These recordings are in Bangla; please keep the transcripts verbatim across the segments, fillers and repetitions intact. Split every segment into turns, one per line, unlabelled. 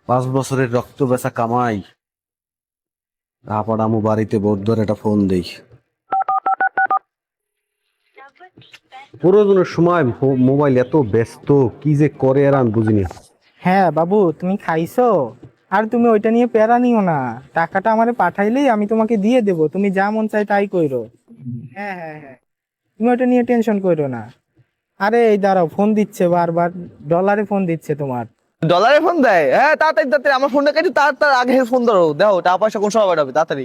পাঁচ বছরের রক্ত বেচা কামাই। আপার আমু বাড়িতে বৌদ্ধর একটা ফোন দেই। প্রয়োজনের সময় মো- মোবাইল এত ব্যস্ত, কি যে করে আর আমি বুঝিনি।
হ্যাঁ বাবু, তুমি খাইছো? আর তুমি ওইটা নিয়ে প্যারা নিও না। টাকাটা আমারে পাঠাইলেই আমি তোমাকে দিয়ে দেবো, তুমি যা মন চাই তাই কইরো। হ্যাঁ হ্যাঁ হ্যাঁ, তুমি ওইটা নিয়ে টেনশন কইরো না। আরে এই দাঁড়াও, ফোন দিচ্ছে বারবার। ডলারে ফোন দিচ্ছে তোমার।
ডলারে ফোন দেয়? হ্যাঁ, তাড়াতাড়ি তাড়াতাড়ি আমার ফোনটা কেটে তার তার আগে ফোন ধরো, দেখো টাকা পয়সা কোন সময় পাঠাবে, তাড়াতাড়ি।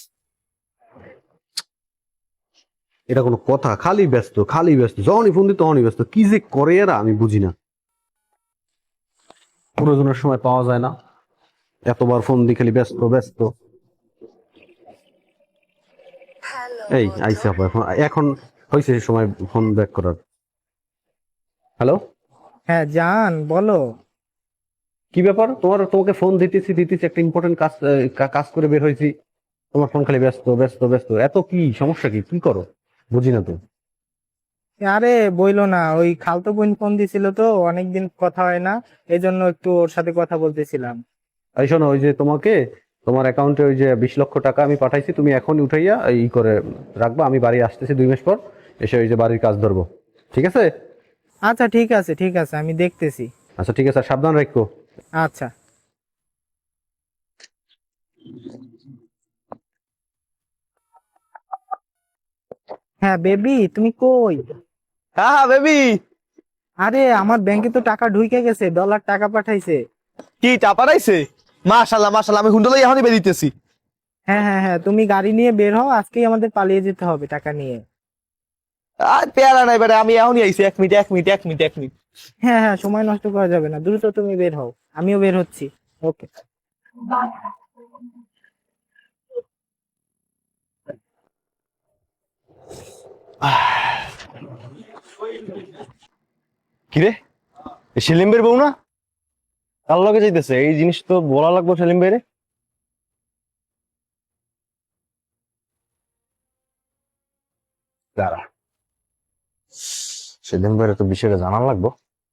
এটা কোনো কথা? খালি ব্যস্ত, খালি ব্যস্ত, যখনই ফোন দিই তখনই ব্যস্ত, কি যে করে এরা আমি বুঝি না। প্রয়োজনের সময় পাওয়া যায় না, এতবার ফোন দিই খালি ব্যস্ত ব্যস্ত। এই আইসে আবার এখন, এখন হয়েছে সময় ফোন ব্যাক করার। হ্যালো,
হ্যাঁ জান, বলো।
কি ব্যাপার তোমার? তোমাকে ফোন দিতেছি দিতেছি, একটা ইম্পর্টেন্ট কাজ আহ, কা- কাজ করে বের হয়েছি, তোমার ফোন খালি ব্যস্ত ব্যস্ত ব্যস্ত। এত কি সমস্যা? কি কি করো বুঝি না তো।
আরে বইলো না, ওই খালতো বোন ফোন দিছিল তো, অনেকদিন কথা হয় না, এই জন্য একটু ওর সাথে কথা বলতেছিলাম।
এই শোনো, ওই যে তোমাকে তোমার অ্যাকাউন্টে ওই যে বিশ লক্ষ টাকা আমি পাঠাইছি, তুমি এখন উঠাইয়া ই করে রাখবা। আমি বাড়ি আসতেছি দুই মাস পর, এসে ওই যে বাড়ির কাজ ধরবো, ঠিক আছে?
আচ্ছা ঠিক আছে ঠিক আছে, আমি দেখতেছি।
আচ্ছা ঠিক আছে, আর সাবধান রাখো।
আচ্ছা। হ্যাঁ বেবি, তুমি কই?
হ্যাঁ হ্যাঁ বেবি।
আরে আমার ব্যাংকে তো টাকা ঢুকে গেছে, ডলার টাকা পাঠাইছে।
কি চা পাঠাইছে? মাশাল্লাহ মাশাল্লাহ, আমি হুন্ডলাই এখনই বেরিয়েছি।
হ্যাঁ হ্যাঁ হ্যাঁ, তুমি গাড়ি নিয়ে বের হও, আজকেই আমাদের পালিয়ে যেতে হবে টাকা নিয়ে।
আর পেয়ারা নাই বেটা, আমি এখনই আইছি। এক মিনিট এক মিনিট এক মিনিট এক মিনিট।
হ্যাঁ হ্যাঁ, সময় নষ্ট করা যাবে না, দ্রুত তুমি বের হও। আমিও বের হচ্ছি। ওকে।
কিরে, এ সেলিম ভাইয়ের বউ না? কার লগে যাইতেছে? এই জিনিস তো বলা লাগবে সেলিম ভাইরে। দাঁড়া, সেলিম ভাইয়ের তো বিষয়টা জানার লাগবো।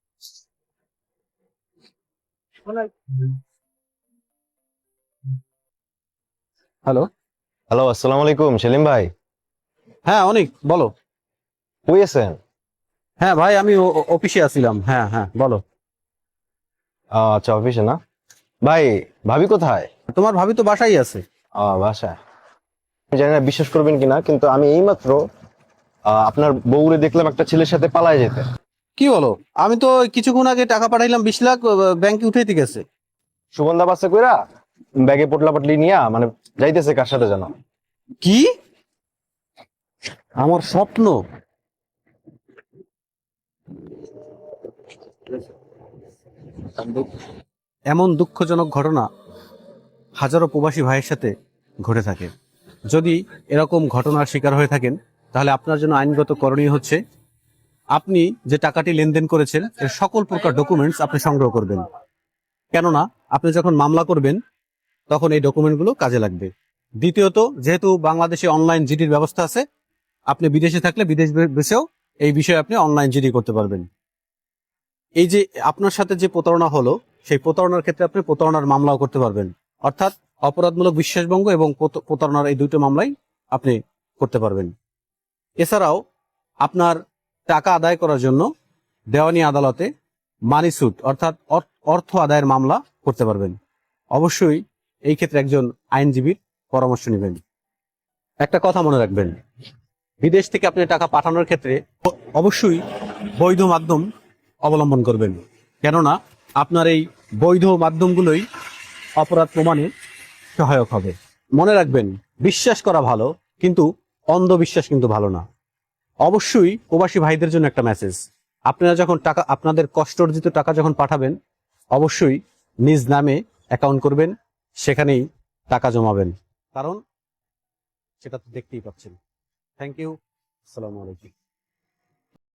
হ্যালো।
হ্যালো, আসসালামু আলাইকুম সেলিম ভাই।
হ্যাঁ অনেক, বলো।
কই আছেন?
হ্যাঁ ভাই, আমি ও- ও- অফিসে আছিলাম। হ্যাঁ হ্যাঁ বলো।
আহ, আচ্ছা, অফিসে না? ভাই, ভাবি কোথায়?
তোমার ভাবি তো বাসায় আছে।
আহ, বাসায়। আমি জানি না বিশ্বাস করবেন কিনা, কিন্তু আমি এইমাত্র আহ, আপনার বউরে দেখলাম একটা ছেলের সাথে পালায় যেতে।
কি বলো? আমি তো কিছুক্ষণ আগে টাকা পাঠাইলাম, বিশ লাখ ব্যাংকে উঠাইতে গেছে।
সুগন্ধা বাসে কইরা ব্যাগে পোটলা পাটলি নিয়া, মানে যাইতেছে কার সাথে যেন।
কি? আমার স্বপ্ন? এমন দুঃখজনক ঘটনা হাজারো প্রবাসী ভাইয়ের সাথে ঘটে থাকে। যদি এরকম ঘটনার শিকার হয়ে থাকেন, তাহলে আপনার জন্য আইনগত করণীয় হচ্ছে, আপনি যে টাকাটি লেনদেন করেছেন এর সকল প্রকার ডকুমেন্টস আপনি সংগ্রহ করবেন। কেননা আপনি যখন মামলা করবেন তখন এই ডকুমেন্টগুলো কাজে লাগবে। দ্বিতীয়ত, যেহেতু বাংলাদেশে অনলাইন জিডির ব্যবস্থা আছে, আপনি বিদেশে থাকলে বিদেশ বসেও এই বিষয়ে আপনি অনলাইন জিডি করতে পারবেন। এই যে আপনার সাথে যে প্রতারণা হলো, সেই প্রতারণার ক্ষেত্রে আপনি প্রতারণার মামলাও করতে পারবেন। অর্থাৎ অপরাধমূলক বিশ্বাসভঙ্গ এবং প্রত- প্রতারণার এই দুটো মামলাই আপনি করতে পারবেন। এছাড়াও আপনার টাকা আদায় করার জন্য দেওয়ানি আদালতে মানি স্যুট অর্থাৎ অর- অর্থ আদায়ের মামলা করতে পারবেন। অবশ্যই এই ক্ষেত্রে একজন আইনজীবীর পরামর্শ নেবেন। একটা কথা মনে রাখবেন, বিদেশ থেকে আপনি টাকা পাঠানোর ক্ষেত্রে অ- অবশ্যই বৈধ মাধ্যম অবলম্বন করবেন। কেননা আপনার এই বৈধ মাধ্যমগুলোই অপরাধ প্রমাণে সহায়ক হবে। মনে রাখবেন, বিশ্বাস করা ভালো, কিন্তু অন্ধবিশ্বাস কিন্তু ভালো না। অবশ্যই প্রবাসী ভাইদের জন্য একটা মেসেজ, আপনারা যখন টাকা, আপনাদের কষ্ট অর্জিত টাকা যখন পাঠাবেন, অবশ্যই নিজ নামে অ্যাকাউন্ট করবেন, সেখানেই টাকা জমাবেন। কারণ সেটা তো দেখতেই পাচ্ছেন। Thank you. আসসালামু আলাইকুম।